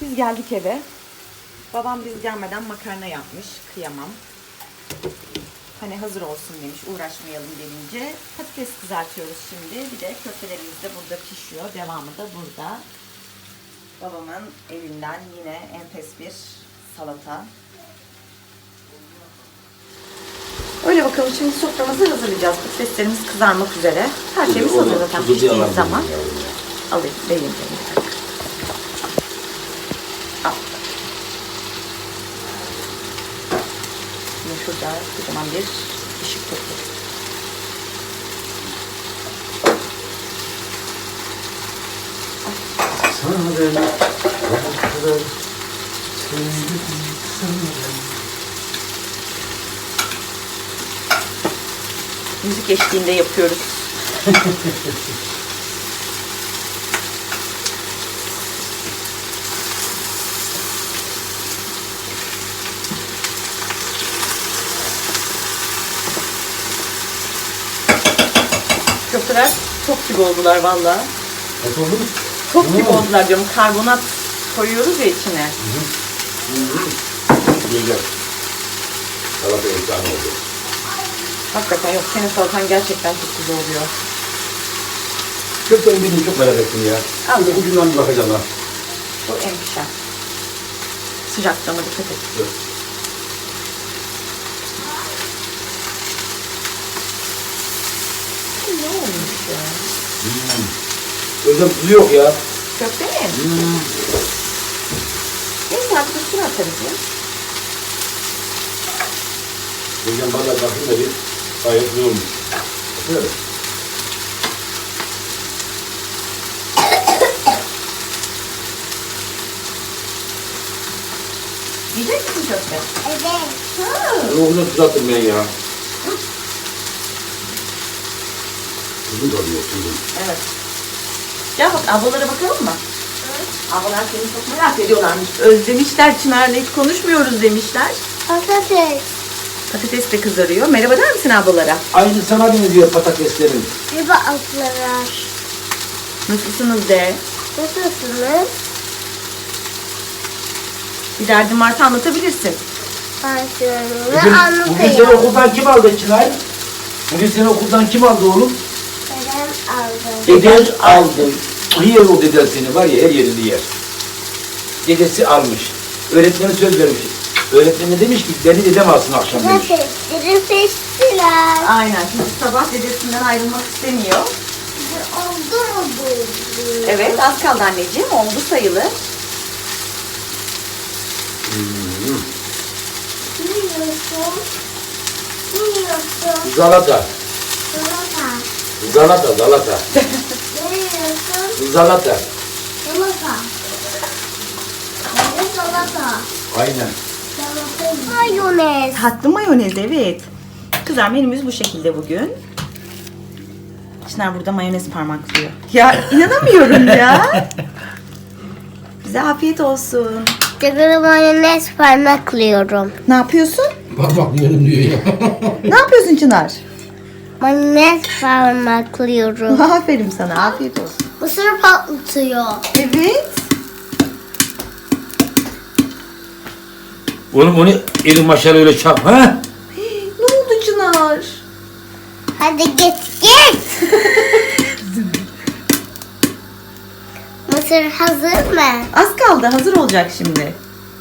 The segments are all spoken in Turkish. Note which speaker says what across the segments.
Speaker 1: Biz geldik eve. Babam biz gelmeden makarna yapmış. Kıyamam. Hani hazır olsun demiş. Uğraşmayalım denince. Patates kızartıyoruz şimdi. Bir de köftelerimiz de burada pişiyor. Devamı da burada. Babamın elinden yine enfes bir salata. Öyle bakalım, şimdi soframızı hazırlayacağız. Patateslerimiz kızarmak üzere. Her şeyimiz hazır zaten piştiği zaman. Alayım, vereyim. Al. Şimdi şurada kocaman bir ışık tuttuk.
Speaker 2: Sana ben
Speaker 1: Müzik eşliğinde yapıyoruz. Köfteler top gibi oldular vallahi.
Speaker 2: nasıl oldu?
Speaker 1: Top gibi oldular diyorum. Karbonat koyuyoruz ya içine.
Speaker 2: Güzel. Salata efsane oldu.
Speaker 1: Hakikaten yok. Senin salatan gerçekten çok güzel oluyor.
Speaker 2: Köftenin birini çok merak ettim ya.
Speaker 1: Al.
Speaker 2: Ucundan bir bakacağım ha.
Speaker 1: Bu en pişen. Sıcaklığına dikkat et.
Speaker 2: Dur.
Speaker 1: Ne olmuş ya?
Speaker 2: Özlem tuzu yok ya.
Speaker 1: Köfte mi? Neyse artık üstüne atarız ya.
Speaker 2: Özlem valla bakayım da bir gayet güzel olmuş. Bakın.
Speaker 1: Yiyecek misin köfte?
Speaker 3: Evet.
Speaker 1: Ha.
Speaker 2: Ruhuna tuz attım ben ya. Tuzun tadı yok, tuzun.
Speaker 1: Evet. Gel bak, ablalara bakalım mı? Ablalar seni çok merak ediyorlarmış. Özlemişler, Çınar'la hiç konuşmuyoruz demişler.
Speaker 3: Patates.
Speaker 1: Patates de kızarıyor. Merhaba der misin ablalara?
Speaker 2: Aynı sana benziyor patateslerin.
Speaker 3: Riba atlar.
Speaker 1: Nasılsınız de?
Speaker 3: Nasılsınız?
Speaker 1: Bir derdin varsa anlatabilirsin.
Speaker 3: Başlarını
Speaker 2: Bugün seni
Speaker 3: anlatayım.
Speaker 2: okuldan kim aldı Çınar? Bugün seni okuldan kim aldı oğlum?
Speaker 3: Dedem aldı.
Speaker 2: Deden aldı. Yer o deden seni var ya, her yerini yer. Dedesi almış. Öğretmeni söz vermiş. Öğretmeni demiş ki beni dedem alsın akşam demiş.
Speaker 3: Patatesleri seçtiler.
Speaker 1: Aynen. Şimdi sabah dedesinden ayrılmak istemiyor.
Speaker 3: Oldu mu bu?
Speaker 1: Evet, az kaldı anneciğim. Oldu sayılır.
Speaker 3: Ne yiyorsun? Ne yiyorsun?
Speaker 2: Zalata.
Speaker 3: Salata.
Speaker 2: Zalata.
Speaker 3: Ne yiyorsun?
Speaker 2: Zalata.
Speaker 3: Salata. Ne salata?
Speaker 2: Aynen.
Speaker 3: Salata. Mayonez.
Speaker 1: Tatlı mayonez, evet. Kızlar, menümüz bu şekilde bugün. Çınar burada mayonez parmaklıyor. Ya inanamıyorum ya. Bize afiyet olsun.
Speaker 3: Tekrar mayonez parmaklıyorum.
Speaker 1: Ne yapıyorsun?
Speaker 2: Parmaklıyorum diyor ya.
Speaker 1: Ne yapıyorsun Çınar?
Speaker 3: Mayonez parmaklıyorum.
Speaker 1: Aferin sana, afiyet olsun.
Speaker 3: Mısır patlatıyor.
Speaker 1: Evet.
Speaker 2: Oğlum onu elin maşayla öyle çarp ha?
Speaker 1: Ne oldu Çınar?
Speaker 3: Hadi git git. Mısır hazır mı?
Speaker 1: Az kaldı, hazır olacak şimdi.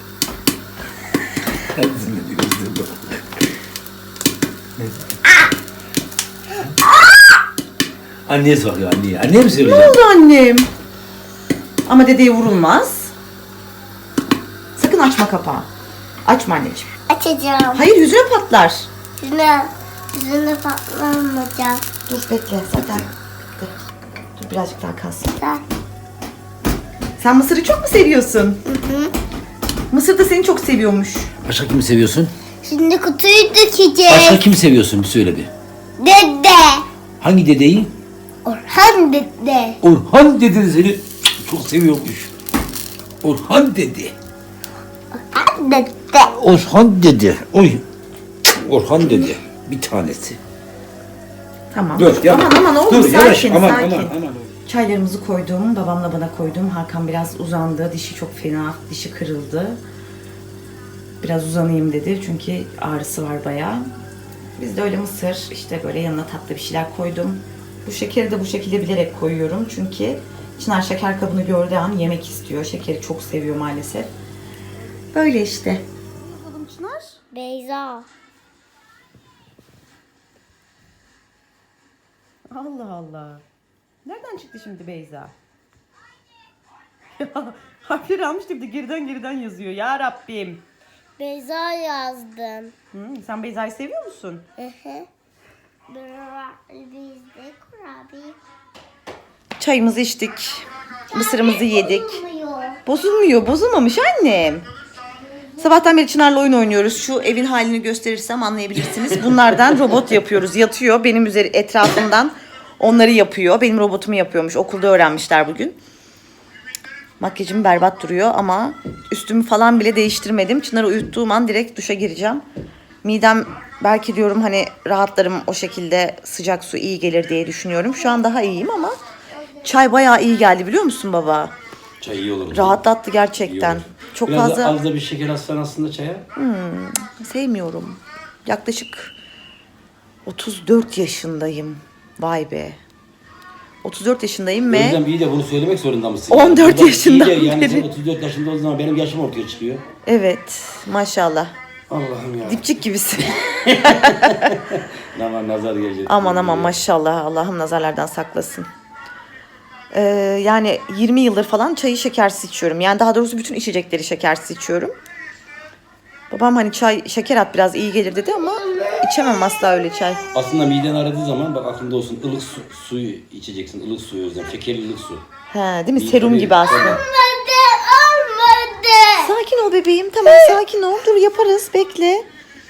Speaker 2: Anneye soruyor anneye. Anneye mi
Speaker 1: Ne
Speaker 2: söyleyeceğim?
Speaker 1: oldu annem? Ama dedeye vurulmaz. Sakın açma kapağı. Açma anneciğim.
Speaker 3: Açacağım.
Speaker 1: Hayır, yüzüne patlar.
Speaker 3: Yüzüne patlamayacak.
Speaker 1: Dur bekle, zaten bitti. Dur birazcık daha kalsın.
Speaker 3: Hı
Speaker 1: Sen mısırı çok mu seviyorsun?
Speaker 3: hı.
Speaker 1: Mısır da seni çok seviyormuş.
Speaker 2: Başka kimi seviyorsun?
Speaker 3: Şimdi kutuyu dökeceğiz.
Speaker 2: Başka kimi seviyorsun bir söyle bir.
Speaker 3: Dede.
Speaker 2: Hangi dedeyi?
Speaker 3: Orhan dede.
Speaker 2: Orhan dede seni çok seviyormuş. Orhan dede.
Speaker 3: Orhan dede.
Speaker 2: Orhan dede. Oy. Orhan dede. Bir tanesi.
Speaker 1: Tamam.
Speaker 2: Dur yavaş.
Speaker 1: Aman oğlum,
Speaker 2: Dur yavaş.
Speaker 1: sakin
Speaker 2: Aman
Speaker 1: sakin.
Speaker 2: aman aman.
Speaker 1: Çaylarımızı koydum. Babamla bana koydum. Hakan biraz uzandı. Dişi çok fena. Dişi kırıldı. Biraz uzanayım dedi. Çünkü ağrısı var bayağı. Biz de öyle mısır, işte böyle yanına tatlı bir şeyler koydum. Bu şekeri de bu şekilde bilerek koyuyorum. Çünkü Çınar şeker kabını gördüğü an yemek istiyor. Şekeri çok seviyor maalesef. Böyle işte. Bakalım Çınar.
Speaker 3: Beyza.
Speaker 1: Allah Allah. Nereden çıktı şimdi Beyza? Harfleri almıştı bir de geriden yazıyor. Ya Rabbim.
Speaker 3: Beyza yazdım.
Speaker 1: Sen Beyza'yı seviyor musun?
Speaker 3: Hı hı. Bizde kurabiye.
Speaker 1: Çayımızı içtik. Mısırımızı yedik.
Speaker 3: Olmuyor.
Speaker 1: Bozulmuyor. Bozulmamış annem. Sabahtan beri Çınar'la oyun oynuyoruz. Şu evin halini gösterirsem anlayabilirsiniz. Bunlardan robot yapıyoruz. Yatıyor. Benim etrafımdan onları yapıyor. Benim robotumu yapıyormuş. Okulda öğrenmişler bugün. Makyajım berbat duruyor ama üstümü falan bile değiştirmedim. Çınar'ı uyuttuğum an direkt duşa gireceğim. Midem belki diyorum hani rahatlarım o şekilde, sıcak su iyi gelir diye düşünüyorum. Şu an daha iyiyim ama çay bayağı iyi geldi biliyor musun baba?
Speaker 2: Çay iyi olur.
Speaker 1: Rahatlattı gerçekten.
Speaker 2: İyi olur.
Speaker 1: Çok
Speaker 2: Biraz
Speaker 1: fazla
Speaker 2: da az da bir şeker atsan aslında çaya.
Speaker 1: sevmiyorum. Yaklaşık 34 yaşındayım. Vay be. 34 yaşındayım ve
Speaker 2: Özlem iyi de bunu söylemek zorunda mısın?
Speaker 1: 14
Speaker 2: Bak,
Speaker 1: yaşından
Speaker 2: iyi de yani
Speaker 1: beri.
Speaker 2: sen 34 yaşında o zaman benim yaşım ortaya çıkıyor.
Speaker 1: evet maşallah.
Speaker 2: Allah'ım ya.
Speaker 1: Dipçik gibisin.
Speaker 2: Aman nazar gelecek.
Speaker 1: Aman maşallah, Allah'ım nazarlardan saklasın. Yani 20 yıldır falan çayı şekersiz içiyorum. Yani daha doğrusu bütün içecekleri şekersiz içiyorum. Babam hani çay şeker at biraz iyi gelir dedi ama içemem asla öyle çay.
Speaker 2: Aslında miden aradığı zaman bak aklında olsun ılık suyu içeceksin. Ilık suyu Özlem. Şekerli ılık su.
Speaker 1: He, değil mi?
Speaker 2: İyi,
Speaker 1: Serum
Speaker 2: tabii.
Speaker 1: gibi aslında.
Speaker 2: Tabii.
Speaker 3: Olmadı.
Speaker 1: Sakin ol bebeğim. Tamam sakin ol. Dur yaparız. Bekle.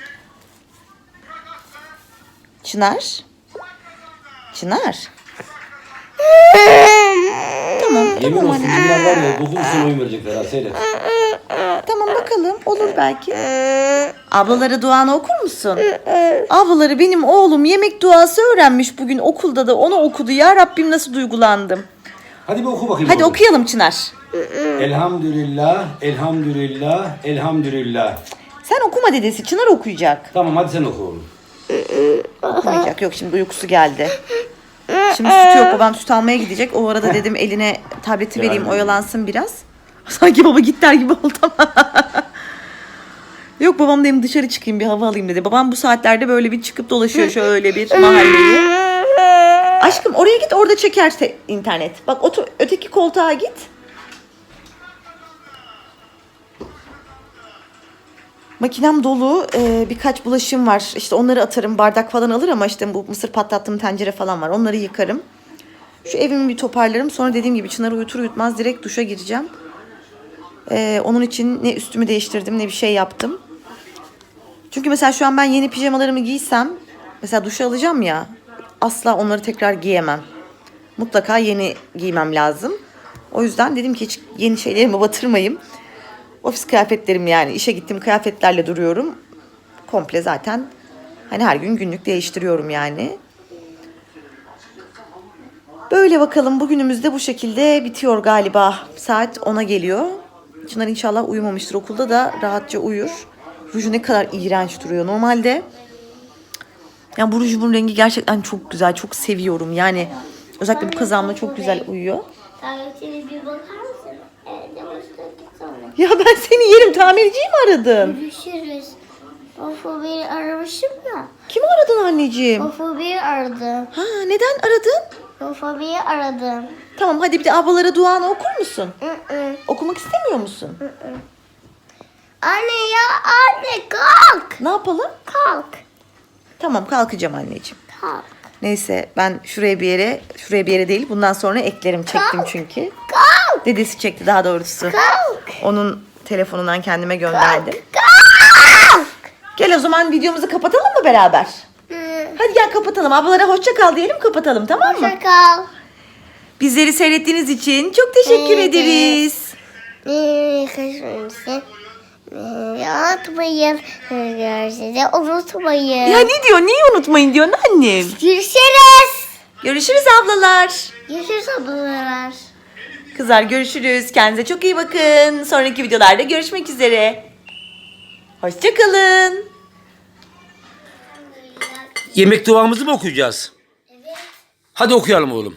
Speaker 1: Çınar. Çınar. Tamam.
Speaker 2: Yemin
Speaker 1: Tamam
Speaker 2: olsun
Speaker 1: anne.
Speaker 2: bunlar var ya 9 sene oyun verecekler ha seyret.
Speaker 1: Tamam bakalım. Olur belki. Ablalara duanı okur musun? Ablaları benim oğlum yemek duası öğrenmiş bugün okulda da onu okudu. Ya Rabbim nasıl duygulandım.
Speaker 2: Hadi bir oku bakayım.
Speaker 1: Hadi
Speaker 2: oğlum.
Speaker 1: okuyalım Çınar.
Speaker 2: Elhamdülillah, elhamdülillah, elhamdülillah.
Speaker 1: Sen okuma dedesi. Çınar okuyacak.
Speaker 2: Tamam hadi sen oku oğlum.
Speaker 1: Okumayacak. Yok şimdi uykusu geldi. Şimdi sütü yok. Babam süt almaya gidecek. O arada dedim eline tableti vereyim
Speaker 2: Yani.
Speaker 1: oyalansın biraz. Sanki baba git der gibi oldu ama. Yok babam dedim dışarı çıkayım bir hava alayım dedi. Babam bu saatlerde böyle bir çıkıp dolaşıyor şöyle bir mahalleyi. Aşkım oraya git orada çekerse internet. Bak otur öteki koltuğa git. Makinem dolu. Birkaç bulaşığım var. İşte onları atarım. Bardak falan alır ama işte bu mısır patlattığım tencere falan var. Onları yıkarım. Şu evimi bir toparlarım. Sonra dediğim gibi Çınar'ı uyutur uyutmaz direkt duşa gireceğim. Onun için ne üstümü değiştirdim ne bir şey yaptım. Çünkü mesela şu an ben yeni pijamalarımı giysem, mesela duşa alacağım ya, asla onları tekrar giyemem. Mutlaka yeni giymem lazım. O yüzden dedim ki hiç yeni şeylerimi batırmayayım. Ofis kıyafetlerim yani işe gittiğim kıyafetlerle duruyorum. Komple zaten hani her gün günlük değiştiriyorum yani. Böyle bakalım bugünümüz de bu şekilde bitiyor galiba. Saat 10'a geliyor. Çınar inşallah uyumamıştır. Okulda da rahatça uyur. Ruju ne kadar iğrenç duruyor. Normalde yani bu rujumun rengi gerçekten çok güzel. Çok seviyorum. Yani özellikle bu kazağımla çok güzel uyuyor.
Speaker 3: Tabletine bir bakar mısın? Evde başladık sonra.
Speaker 1: Ya ben seni yerim. Tamirciyi mi aradın?
Speaker 3: Görüşürüz. Of beni aramışım ya.
Speaker 1: Kimi aradın anneciğim?
Speaker 3: Of beni aradım.
Speaker 1: Ha neden aradın?
Speaker 3: Of beni aradım.
Speaker 1: Tamam hadi bir de ablalara duanı okur musun?
Speaker 3: Hı.
Speaker 1: Okumak istemiyor musun?
Speaker 3: Anne ya anne kalk.
Speaker 1: Ne yapalım?
Speaker 3: Kalk.
Speaker 1: Tamam kalkacağım anneciğim.
Speaker 3: Kalk.
Speaker 1: Neyse ben şuraya bir yere değil bundan sonra eklerim çektim çünkü.
Speaker 3: Kalk.
Speaker 1: Dedesi çekti daha doğrusu.
Speaker 3: Kalk.
Speaker 1: Onun telefonundan kendime gönderdim.
Speaker 3: Kalk.
Speaker 1: Gel o zaman videomuzu kapatalım mı beraber? Hadi gel kapatalım. Ablalara hoşça kal diyelim kapatalım tamam mı?
Speaker 3: Hoşça kal.
Speaker 1: Bizleri seyrettiğiniz için çok teşekkür
Speaker 3: Evet.
Speaker 1: ederiz.
Speaker 3: Kaçırmışsın. Unutmayın. Görüşürüz. Unutmayın.
Speaker 1: Ya ne diyor? Niye unutmayın diyorsun annem?
Speaker 3: Görüşürüz.
Speaker 1: Görüşürüz ablalar.
Speaker 3: Görüşürüz ablalar.
Speaker 1: Kızlar görüşürüz. Kendinize çok iyi bakın. Sonraki videolarda görüşmek üzere. Hoşçakalın.
Speaker 2: Yemek duamızı mı okuyacağız?
Speaker 3: Evet.
Speaker 2: Hadi okuyalım oğlum.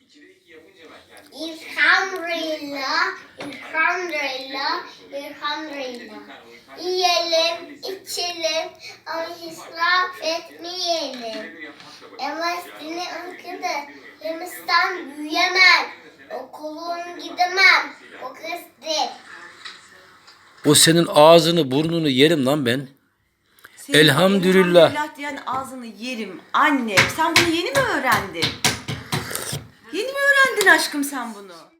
Speaker 3: Elhamdülillah, elhamdülillah, elhamdülillah. Yiyelim, içelim ama israf etmeyelim. Ama seni ülkede yemişten büyüyemem. Okulun gidemem. O kızdır.
Speaker 2: O senin ağzını burnunu yerim lan ben. Elhamdülillah.
Speaker 1: Elhamdülillah diyen ağzını yerim. Anne sen bunu yeni mi öğrendin? Yeni mi öğrendin aşkım sen bunu?